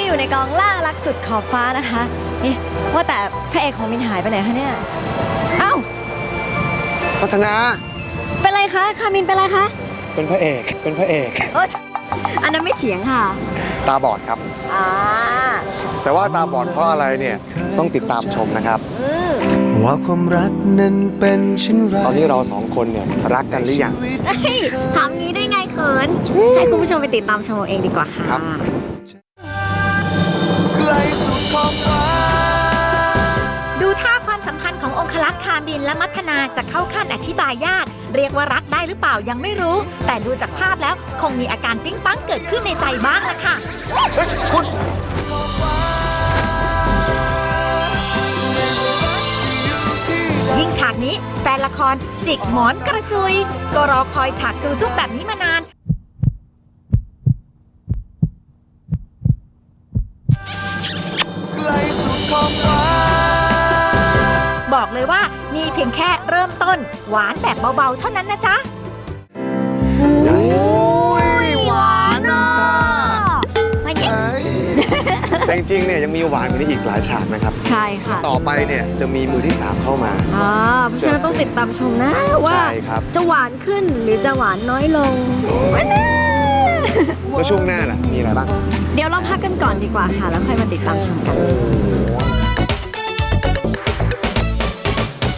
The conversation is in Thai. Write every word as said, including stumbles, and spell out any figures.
ก็อยู่ในกองล่ารักสุดขอบฟ้านะคะเอ๊ะว่าแต่พระเอกของมินหายไปไหนคะเนี่ยเอ้าพัฒนาเป็นไรคะคามินเป็นไรคะเป็นพระเอกเป็นพระเอกเอออันนั้นไม่เถียงค่ะตาบอดครับอ่าแต่ว่าตาบอดเพราะอะไรเนี่ยต้องติดตามชมนะครับอืมว่าความรักนั้นเป็นเช่นไรตอนนี้เราสองคนเนี่ยรักกันหรือยังเฮ้ยถามงี้ได้ไงเขินให้คุณผู้ชมไปติดตามชมเอาเองดีกว่าค่ะครับไกลสุดขอบฟ้าดูท่าความสัมพันธ์ขององคลักษ์คามินและมัทนาจะเข้าขั้นอธิบายยาก เรียกว่ารักได้หรือเปล่ายังไม่รู้ แต่ดูจากภาพแล้วคงมีอาการปิ๊งปังเกิดขึ้นในใจบ้างละค่ะ ยิ่งฉากนี้แฟนละครจิกหมอนกระจุย ก็รอคอยฉากจูจุ๊บแบบนี้มานานไกลสุดขอบฟ้าบอกเลยว่านี่เพียงแค่เริ่มต้น หวานแบบเบาๆเท่านั้นนะจ๊ะใหญ่หวานอ่ะไม่ใช่แต่จริงๆเนี่ยยังมีหวานกว่านี้อีกหลายฉากนะครับใช่ค่ะต่อไปเนี่ยจะมีมือที่สามเข้ามาอ่าเพราะฉะนั้นต้องติดตามชมนะว่าใช่ครับจะหวานขึ้นหรือจะหวานน้อยลงแล้วช่วงหน้าล่ะมีอะไรบ้างเดี๋ยวเราพักกันก่อนดีกว่าค่ะ แล้วค่อยมาติดตามชมกัน